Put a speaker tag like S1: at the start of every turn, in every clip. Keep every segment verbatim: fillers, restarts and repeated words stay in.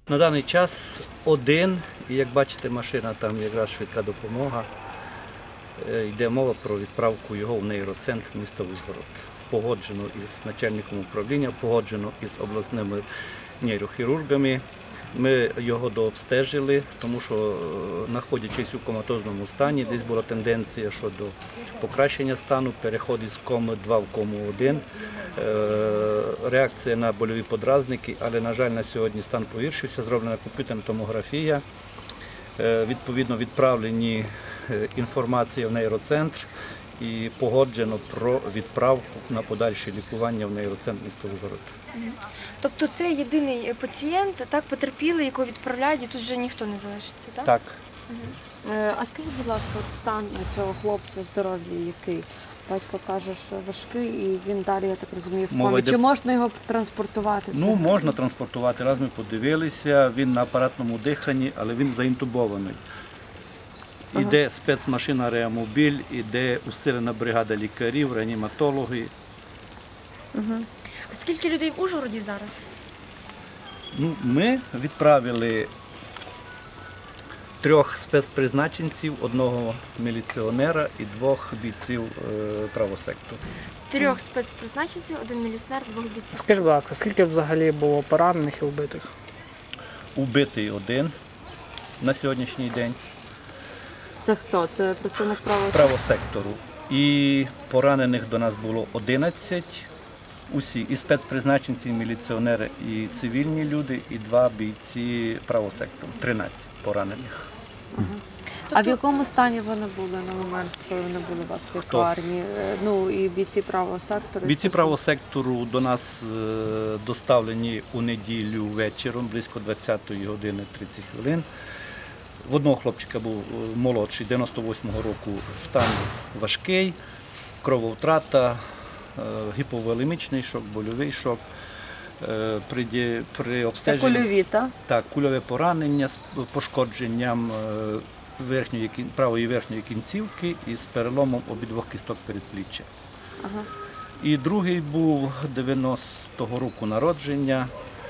S1: На даний час один, і як бачите, машина там якраз швидка допомога. Йде мова про відправку його в нейроцентр міста Ужгород. Погоджено із начальником управління, погоджено із обласними нейрохірургами. Ми його дообстежили, тому що, знаходячись у коматозному стані, десь була тенденція щодо покращення стану, переход із коми два в кому один, реакція на больові подразники, але, на жаль, на сьогодні стан погіршився, зроблена комп'ютерна томографія, відповідно відправлені інформація в нейроцентр і погоджено про відправку на подальше лікування в нейроцентр міста Ужгород.
S2: Тобто це єдиний пацієнт, так, потерпілий, якого відправляють, і тут вже ніхто не залишиться, так?
S1: Так.
S3: Угу. А скажіть, будь ласка, от стан цього хлопця, здоров'я який? Батько каже, що важкий, і він далі, я так розумію, в комі. Чи можна його транспортувати?
S1: Ну, можна транспортувати. Раз ми подивилися, він на апаратному диханні, але він заінтубований. Ага. Іде спецмашина реамобіль, іде усилена бригада лікарів, реаніматологи.
S2: Угу. А скільки людей в Ужгороді зараз?
S1: Ну, ми відправили трьох спецпризначенців, одного міліціонера і двох бійців правосектору.
S2: Трьох спецпризначенців, один міліціонер, двох бійців.
S4: Скажіть, будь ласка, скільки взагалі було поранених і вбитих?
S1: Убитий один на сьогоднішній день.
S3: Це хто? Це представник правосектору?
S1: Правосектору. І поранених до нас було одинадцять. Усі, і спецпризначенці, і міліціонери, і цивільні люди, і два бійці правосектору. тринадцять поранених.
S3: Ага. А в якому стані вони були на момент, коли вони були у вас в лікарні? Ну, і бійці правого сектору?
S1: Бійці правого сектору до нас доставлені у неділю вечором, близько двадцятої години тридцять хвилин. В одного хлопчика був молодший, дев'яносто восьмого року, стан важкий, крововтрата, гіповолемічний шок, больовий шок. При, при обстеженні,
S3: Це кульові, так?
S1: Так, кульове поранення з пошкодженням верхньої, правої верхньої кінцівки і з переломом обидвох кісток передпліччя.
S3: Ага.
S1: І другий був дев'яностого року народження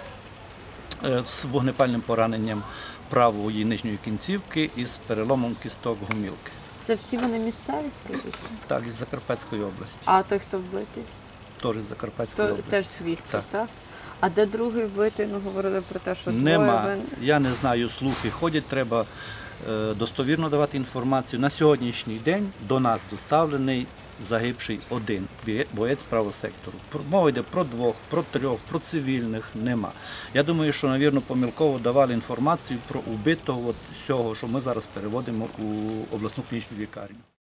S1: з вогнепальним пораненням правої нижньої кінцівки і з переломом кісток гомілки.
S3: Це всі вони місцеві, скажіть?
S1: Так, із Закарпатської області.
S3: А той, хто вбитий?
S1: Теж із Закарпатської
S3: То,
S1: області.
S3: теж звідси, так. так? А де другий вбитий? Ну, говорили про те, що
S1: Нема.
S3: двоє...
S1: Я не знаю, слухи ходять, треба е, достовірно давати інформацію. На сьогоднішній день до нас доставлений загибший один боєць правосектору. Мова йде про двох, про трьох, про цивільних нема. Я думаю, що, навірно, помилково давали інформацію про убитого от всього, що ми зараз переводимо у обласну клінічну лікарню.